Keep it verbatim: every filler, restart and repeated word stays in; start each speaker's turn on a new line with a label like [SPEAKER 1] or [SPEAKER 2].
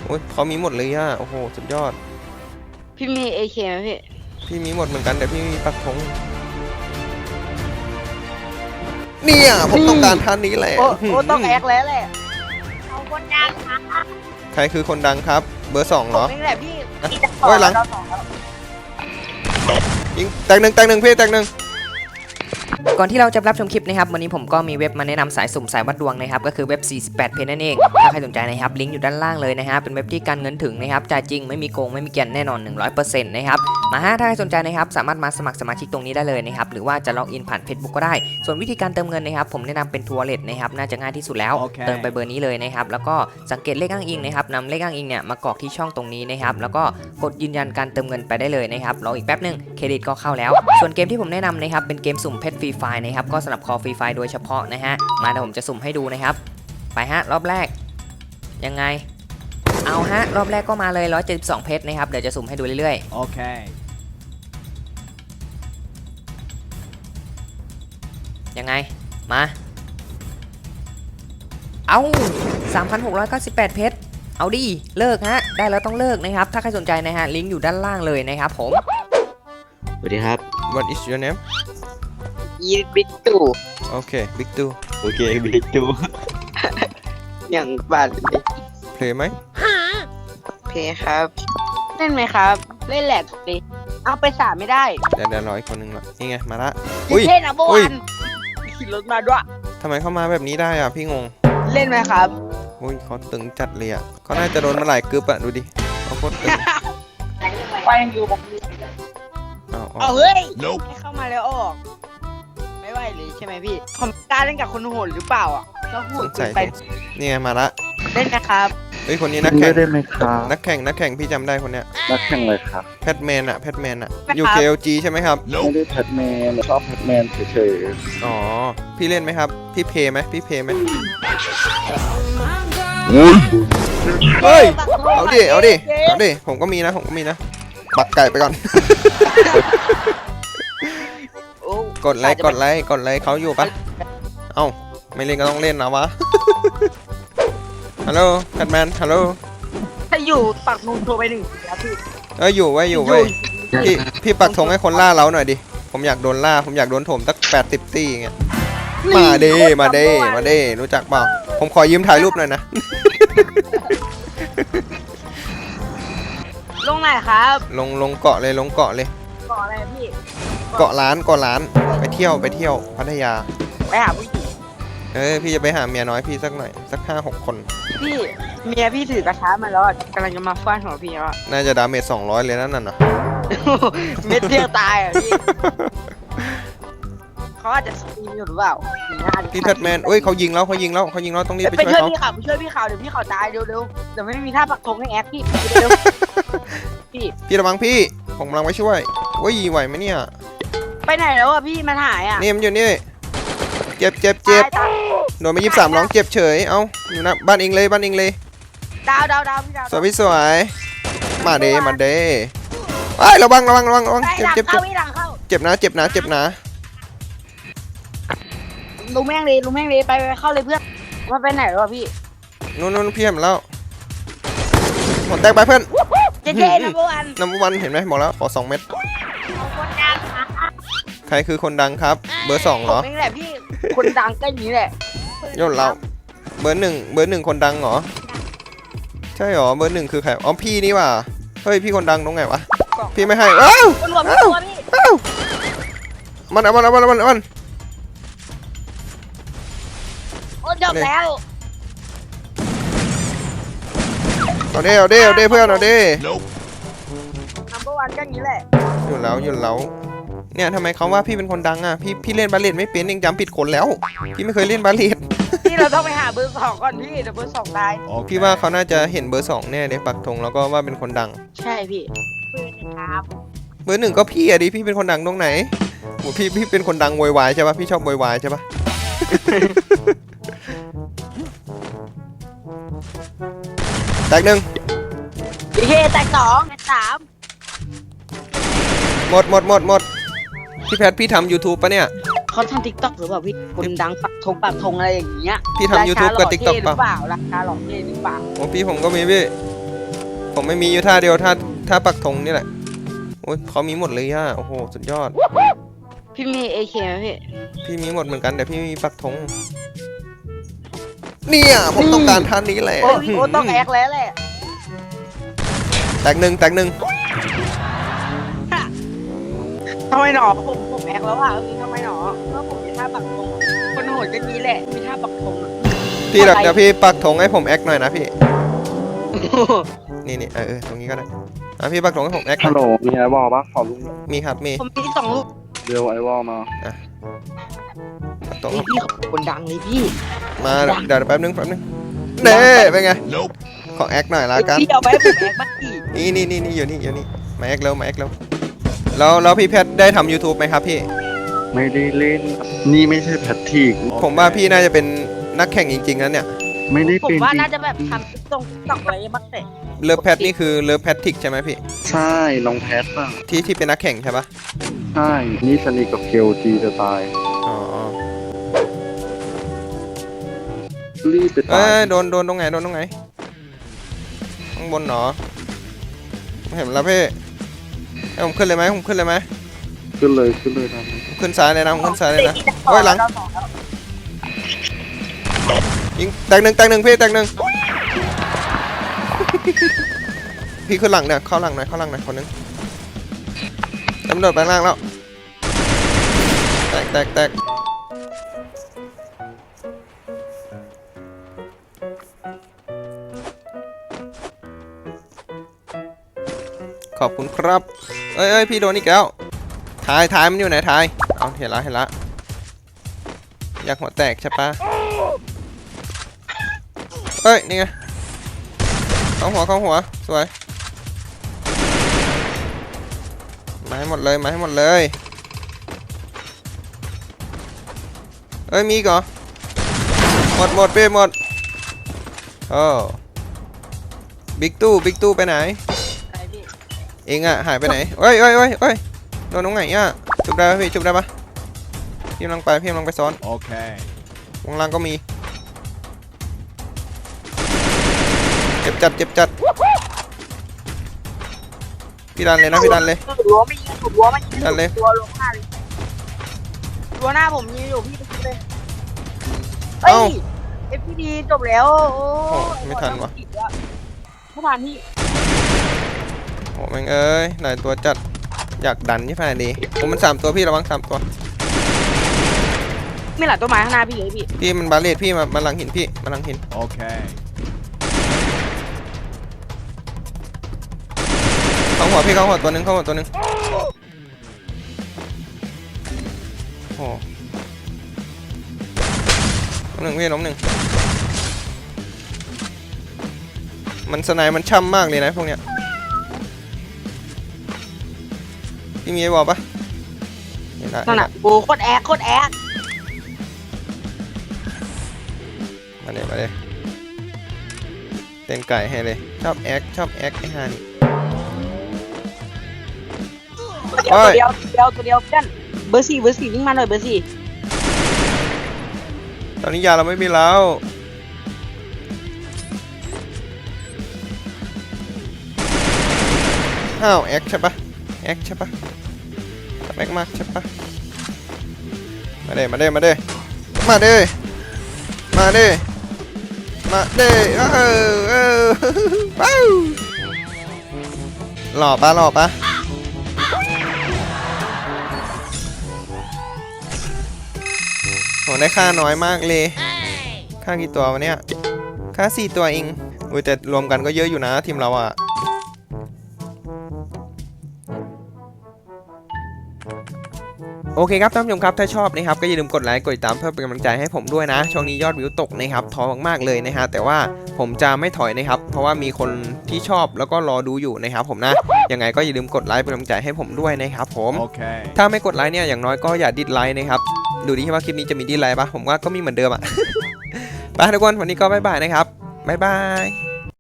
[SPEAKER 1] อ้ยเขามีหมดเลยอ่ะโอ้โหสุดยอด
[SPEAKER 2] พี่มีเอเคไหมพี่
[SPEAKER 1] พี่มีหมดเหมือนกันแต่พี่มีปักธงเนี่ยผมต้องการท่านนี้แหละ
[SPEAKER 2] โอ้โอ้ต้องแอกแล้วแหละเอาคนดังครับ
[SPEAKER 1] ใครคือคนดังครับเบอร์สองเหรอ
[SPEAKER 2] นี่แหละพี่
[SPEAKER 1] โอ้ยหลังยิงแตกหนึ่งแตกหนึ่งพี่แตกหนึ่ง
[SPEAKER 3] ก่อนที่เราจะรับชมคลิปนะครับวันนี้ผมก็มีเว็บมาแนะนำสายสุ่มสายวัดดวงนะครับก็คือเว็บสี่สิบแปดเพจนั่นเองถ้าใครสนใจนะครับลิงก์อยู่ด้านล่างเลยนะฮะเป็นเว็บที่การเงินถึงนะครับจ่ายจริงไม่มีโกงไม่มีเกียนแน่นอน หนึ่งร้อยเปอร์เซ็นต์ นะครับมาฮะถ้าใครสนใจนะครับสามารถมาสมัครสมาชิกตรงนี้ได้เลยนะครับหรือว่าจะล็อกอินผ่าน Facebook ก็ได้ส่วนวิธีการเติมเงินนะครับผมแนะนำเป็นทัวร์เลทนะครับน่าจะง่ายที่สุดแล้ว okay. เติมไปเบอร์นี้เลยนะครับแล้วก็สังเกตเลขอ้างอิงนะครับนำเลขอ้างอิงเนี่ยมากรอกที่ช่องตรงนี้นะครับแล้วก็กดยืนยันการเติมเงินไปได้เลยนะครับรออีกแป๊บนึงเครดิตก็เข้าแล้วส่วนเกมที่ผมแนะนำนะครับเป็นเกมสุ่มเพชรฟรีไฟล์นะครับก็สำหรับคอฟรีไฟล์โดยเฉพาะนะฮะมาเดี๋ยวผมจะสุ่มให้ดูนะครับไปฮะรอบแรกยังไงเอาฮะรอบแรกก็มาเลยหนึ่งร้อยเจ็ดสิบสองเพชรนะครับเดี๋ยวจะสุ่มให้ดูเรื่อยๆโอเคยังไงมาเอาสามพันหกร้อยเก้าสิบแปดเพชรเอาดิเลิกฮะได้แล้วต้องเลิกนะครับถ้าใครสนใจนะฮะลิงก์อยู่ด้านล่างเลยนะครับผม
[SPEAKER 4] สวัสดีครับ
[SPEAKER 1] What is your name
[SPEAKER 2] ยีบิ๊กตู่
[SPEAKER 1] โอเคบิ๊กตู่
[SPEAKER 4] โอเคบิ๊กตู่
[SPEAKER 2] อย่างบาดเลย
[SPEAKER 1] เพลย์ไหม
[SPEAKER 2] เพย์ครับเล่นไหมครับเล่นแหลกดิเอาไปสามไม่ได้
[SPEAKER 1] เดี๋ยวเดี๋ยวรออีกคนนึงละนี่ไงมาละ
[SPEAKER 2] อุ้ยเท่นะโบวันขี่รถมาด้วย
[SPEAKER 1] ทำไมเข้ามาแบบนี้ได้อ่ะพี่งง
[SPEAKER 2] เล่นไหมครับ
[SPEAKER 1] อุ้ยเขาตึงจัดเลยอ่ะเขาน่าจะโดนมาหลายกึ๊บอ่ะดูดิเขาโคตรตึง
[SPEAKER 2] ไปยังอยู่บอก
[SPEAKER 1] เอา
[SPEAKER 2] เอาเฮ้ยให้เข้ามาแล้วออกไม่ไหวเลยใช่ไหมพี่ผมกล้าเล่นกับคนโหดหรือเปล่าอ่ะก็โหดไป
[SPEAKER 1] นี่ไงมาละ
[SPEAKER 2] เล่นนะครับ
[SPEAKER 1] เฮ้ยคนนี้นักแข่ง
[SPEAKER 4] ได้ไหมครับ
[SPEAKER 1] นักแข่งนักแข่งพี่จำได้คนเนี้ย
[SPEAKER 4] นักแข่งเลยครับ
[SPEAKER 1] แพทแมนอะแพทแมนอะอยู่ เค แอล จี ใช่ไหมครับ
[SPEAKER 4] ไม่ได้แพทแมนชอบแพทแมนเฉย
[SPEAKER 1] ๆอ๋อพี่เล่นไหมครับพี่เพย์ไหมพี่เพย์ไหมเฮ้ยเอาดิเอาดิเอาดิผมก็มีนะผมก็มีนะปักไก่ไปก่อนกดไลค์กดไลค์กดไลค์เขาอยู่ปะเอ้าไม่เล่นก็ต้องเล่นนะวะฮัลโหลแพทแมนฮัลโหล
[SPEAKER 2] ถ้าอยู่ปักนูนโทรไปหนึ่งครับพี่
[SPEAKER 1] เอออยู่ไว้อยู่ไว้พี่พี่ปักธงให้คนล่าเราหน่อยดิผมอยากโดนล่าผมอยากโดนถมสักแปดสิบตีอย่างเงี้ยมาเด้มาเด้มาเด้รู้จักเปล่าผมขอยืมถ่ายรูปหน่อยนะ
[SPEAKER 2] ลงไหนครับ
[SPEAKER 1] ลงลงเกาะเลยลงเกาะเลย
[SPEAKER 2] เกาะอะไรพี่
[SPEAKER 1] เกาะร้านเกาะร้านไปเที่ยวไปเที่ยวพัทยา
[SPEAKER 2] ไปหาผู้หญิง
[SPEAKER 1] เออพี่จะไปหาเมียน้อยพี่สักหน่อยสักห้าหกคน
[SPEAKER 2] พี่เมียพี่ถือกระทะมาแล้วกำลังจะมาฟาดหัวพี่แล้ว
[SPEAKER 1] น่าจะดาเมจสองร้อยเลยนั่นน่ะ
[SPEAKER 2] เม็ดเดียวตายอ่ะพี่เขาอาจจะสตรีมอยู่หรือเปล่า
[SPEAKER 1] พี่แพทแมนเอ้ยเขายิงแล้วเขายิงแล้วเขายิงแล้วต้องรีบไปช่วยเขา
[SPEAKER 2] ไปช่วยพี่เขาไปช่วยพี่เขาเดี๋ยวพี่เขาตายเร็วๆเดี๋ยวไม่มีท่าปักธงให้แอคพี่เร็วพี่
[SPEAKER 1] พี่ระวังพี่ผมกำลังไปช่วยว่ายีไหวไหมเนี่ย
[SPEAKER 2] ไปไหนแล้วอ่ะพี่มันหายอ่ะ
[SPEAKER 1] นี่มันอยู่นี่เจ็บเจ็บเจ็บโดนไปยี่สิบสามร้องเจ็บเฉยเอ้าอยู่นะบ้านเองเลยบ้านเองเลย
[SPEAKER 2] ดาวดาวดาวพี่ดาว
[SPEAKER 1] สวยพี่สวยมาเดมาเดไอ้ระวังระวังระวังระวังเจ็บเจ็บเจ็บเจ็บนะเจ็บนะเจ็บนะ
[SPEAKER 2] ลุงแม่งเลยลุงแม่งเลยไปเข้าเลยเพื่อนมาไปไหนแล้วพี่
[SPEAKER 1] นู่นนู่นพี่เห็นแล้วหมดแตกไปเพื่อน
[SPEAKER 2] เจ๊เจ๊นัมเบอร์วัน
[SPEAKER 1] นัมเบอร์วันเห็นไหมบอกแล้วขอสองเม็ดใครคือคนดังครับเบอร์สองเหรอ
[SPEAKER 2] นี่แหละพี่คนดังก็อย่างนี้แหละ
[SPEAKER 1] ยศเราเบอร์หนึ่งเบอร์หนึ่งคนดังเหรอใช่เหรอเบอร์หนึ่งคือใครอ๋อพี่นี่ว่ะเฮ้ยพี่คนดังตรงไหนวะพี่ไม่ให้เอ้าเอ้าเอ้ามันเอามันเอามันเอามันเอามัน
[SPEAKER 2] โอ้จบแล้ว
[SPEAKER 1] เอาเด้เอาเด้เอาเด้เพื่อนเอาเด้
[SPEAKER 2] นัมเบอร์วันก็อย่างนี้แหละ
[SPEAKER 1] หยุดแล้วหยุดแล้วเนี่ยทำไมเขาว่าพี่เป็นคนดังอ่ะพี่พี่เล่นบาเลตไม่เป็นเองจำผิดคนแล้วพี่ไม่เคยเล่นบาเลต
[SPEAKER 2] พี่เราต้องไปหาเบอร์สองก่อนพี่เดี๋ยวเบอร์สองตาย
[SPEAKER 1] พี่ว่าเขาน่าจะเห็นเบอร์สองแน่เลยปักธงแล้วก็ว่าเป็นคนดัง
[SPEAKER 2] ใช่พี่เบอร์หนึ่งครับ
[SPEAKER 1] เบอร์หนึ่งก็พี่อะดิพี่เป็นคนดังตรงไหนโหพี่พี่เป็นคนดังโวยวายใช่ปะพี่ชอบโวยวายใช่ปะแตกหนึ่ง
[SPEAKER 2] โอเคแตกสองแตกสาม
[SPEAKER 1] หมดหมดหมดหมดพี่แพทพี่ทำ ยูทูบ ปะเนี่ย
[SPEAKER 2] เขาทำ ติ๊กต็อก หรือเปล่าพี่คนดังปักธงปักธงอะไรอย่างเงี้ย
[SPEAKER 1] พี่ทำ ยูทูบ กับ ติ๊กต็อก
[SPEAKER 2] เปล่าราคาหล่อเท่หรือเปล่า
[SPEAKER 1] โอ้พี่ผมก็มีพี่ผมไม่มีอยู่ท่าเดียวท่าท่าปักธงนี่แหละโอ้ยเขามีหมดเลยอ่ะโอ้โหสุดยอด
[SPEAKER 2] พี่มีเอเคไหมพี่
[SPEAKER 1] พี่มีหมดเหมือนกันแต่พี่ไม่มีปักธงเนี่ยผมต้องการท่านี้แหละ
[SPEAKER 2] โอ้โอ้ต้องแอกแล้วแหละ
[SPEAKER 1] แตกหนึ่งแตกหนึ่ง
[SPEAKER 2] ทำไมหนอผมผมแอกแล้วอ่ะทำไมหนอเพราะผมมีท่าปักธงคนโหดก็มีแหละมีท่าปักธงอะ
[SPEAKER 1] พี่เดี๋ยวพี่ปักธงให้ผมแอคหน่อยนะพี่นี่นี่เออเออตรงนี้ก็ได้อ่ะพี่ปักธงให้ผมแอคหน่
[SPEAKER 4] ฮั
[SPEAKER 1] อ
[SPEAKER 4] ล
[SPEAKER 1] ย
[SPEAKER 4] โหลมีไอวอลปะขอลุง
[SPEAKER 1] มีครับมี
[SPEAKER 2] ผมมีสองลูก
[SPEAKER 4] เร็วไอวอลมา
[SPEAKER 1] ปักธง
[SPEAKER 2] นี่พี่คนดังเลยพี่
[SPEAKER 1] มาเดี๋ยวเดี๋ยวแป๊บนึงแป๊บนึงเน่เป็นไงขอแอคหน่อยละกัน
[SPEAKER 2] พี่เอาไปให้ผมแอกบ้างดิ
[SPEAKER 1] นี่นี่นี่นี่อยู่นี่อยู่นี่มาแอคเร็วมาแอคเร็วแล้วแล้วพี่แพทได้ทำ YouTube ไหมครับพี่
[SPEAKER 4] ไม่ได้เล่น นี่ไม่ใช่แพทริก
[SPEAKER 1] ผมว่าพี่น่าจะเป็นนักแข่งจริงๆนะเนี่ย
[SPEAKER 4] ไม่ได้
[SPEAKER 2] ผม
[SPEAKER 4] เป็น
[SPEAKER 2] ว่า
[SPEAKER 4] จริง
[SPEAKER 2] น่าจะแบบทำตรงตอกอะไรบ้างแต่
[SPEAKER 1] เลิฟแพทนี่คือเลิฟแพทริกใช่ไหมพี่
[SPEAKER 4] ใช่น้องแพทป่ะ
[SPEAKER 1] ที่ที่เป็นนักแข่งใช่ปะ
[SPEAKER 4] ใช่นี่สนิทกับเกลจีจะตาย
[SPEAKER 1] อ๋อ
[SPEAKER 4] รีบไป
[SPEAKER 1] เอ้
[SPEAKER 4] ตาย
[SPEAKER 1] ยโดนโดนตรงไหนโดนตรงไหนข้างบนเหรอไม่เห็นแล้วพี่ให้ผมขึ้นเลยไหมผมขึ้นเลยไหม
[SPEAKER 4] ขึ้นเลยขึ้นเลยนะ
[SPEAKER 1] ผมขึ้นซ้ายเลยนะผมขึ้นซ้ายเลยนะโอ้ยหลังยิงแตกหนึ่งแตกหนึ่งพี่แตกหนึ่งพี่ขึ้นหลังเนี่ยเข้าหลังหน่อยเข้าหลังหน่อยคนนึงตำรวจไปล่างแล้วแตกแตกแตกขอบคุณครับเอ้ยเอ้ยพี่โดนอีกแล้วถ่ายถ่ายมันอยู่ไหนถ่ายเอาเห็นละเห็นละอยากหัวแตกใช่ปะเอ้ยนี่ไงเข้าหัวเข้าหัวสวยมาให้หมดเลยมาให้หมดเลยเอ้ยมีอีกเหรอหมดหมดไปหมดโอ้บิ๊กตู้บิ๊กตู้ไปไหน
[SPEAKER 2] อะไรพี่
[SPEAKER 1] เองอะหายไปไหนเอ้ยเอ้ยเอ้ยเอ้ยโดนตรงไหนอะจุบได้ปะพี่จุบได้ปะพี่กำลังไปพี่กำลังไปซ้อน
[SPEAKER 5] โอเค
[SPEAKER 1] วงล่างก็มีเจ็บจัดเจ็บจัดพี่ดันเลยนะพี่ดันเลย
[SPEAKER 2] รั้วไม่ยิงรั้วไม่ยิง
[SPEAKER 1] ดันเลย
[SPEAKER 2] รั้วลงหน้าเลยรั้วหน้าผมยิงอยู่พี่ไปยิงเลยเอ้ยเอฟพีดีจบแล้วโอ้
[SPEAKER 1] โอ้ไม่ทันวะ
[SPEAKER 2] ไม่ทันพี่
[SPEAKER 1] โอ้แม่งเอ้ยหลายตัวจัดอยากดันยี่ห้าดีผมมันสามตัวพี่ระวังสามตัว
[SPEAKER 2] ไม่หลายต้นไม้ข้างหน้าพี่เลยพี่
[SPEAKER 1] พี่มันบาเลตพี่มามาหลังหินพี่มาหลังหิน
[SPEAKER 5] โอเค
[SPEAKER 1] เข้าหัวพี่เข้าหัวตัวหนึ่งเข้าหัวตัวหนึ่งโอ้ล้มหนึ่งพี่ล้มหนึ่งมันสไนมันช่ำมากเลยนะพวกเนี้ยพี่มีไอ้บอลปะไม่ได้
[SPEAKER 2] นั่นน่ะโอ้โคตรแอคโคตรแอค
[SPEAKER 1] มาเลยมาเลยเต้นไก่ให้เลยชอบแอคชอบแอคไอ้ฮานี่
[SPEAKER 2] ตัวเดียวตัวเดียวตัวเดียวเพื่อนเบอร์สี่เบอร์สี่วิ่งมาหน่อยเบอร์สี่
[SPEAKER 1] ตอนนี้ยาเราไม่มีแล้วอ้าวแอคใช่ปะแอคใช่ปะแอคมากใช่ปะมาเด้มาเด้มาเด้มาเด้มาเด้มาเด้เออเออว้าวหล่อปะหล่อปะโหได้ค่าน้อยมากเลยค่ากี่ตัววะเนี่ยค่าสี่ตัวเองอุ้ยแต่รวมกันก็เยอะอยู่นะทีมเราอะโอเคครับท่านผู้ชมครับถ้าชอบนะครับก็อย่าลืมกดไลค์กดติดตามเพื่อเป็นกำลังใจให้ผมด้วยนะช่วงนี้ยอดวิวตกนะครับท้อมากๆเลยนะฮะแต่ว่าผมจะไม่ถอยนะครับเพราะว่ามีคนที่ชอบแล้วก็รอดูอยู่นะครับผมนะยังไงก็อย่าลืมกดไลค์เป็นกำลังใจให้ผมด้วยนะครับผม
[SPEAKER 5] โอเค
[SPEAKER 1] ถ้าไม่กดไลค์เนี่ยอย่างน้อยก็อย่าดิสไลค์นะครับดูดิว่าคลิปนี้จะมีดิสไลค์ปะผมว่าก็มีเหมือนเดิมอะ ไปทุกคนวันนี้ก็บ๊ายบายนะครับบ๊ายบาย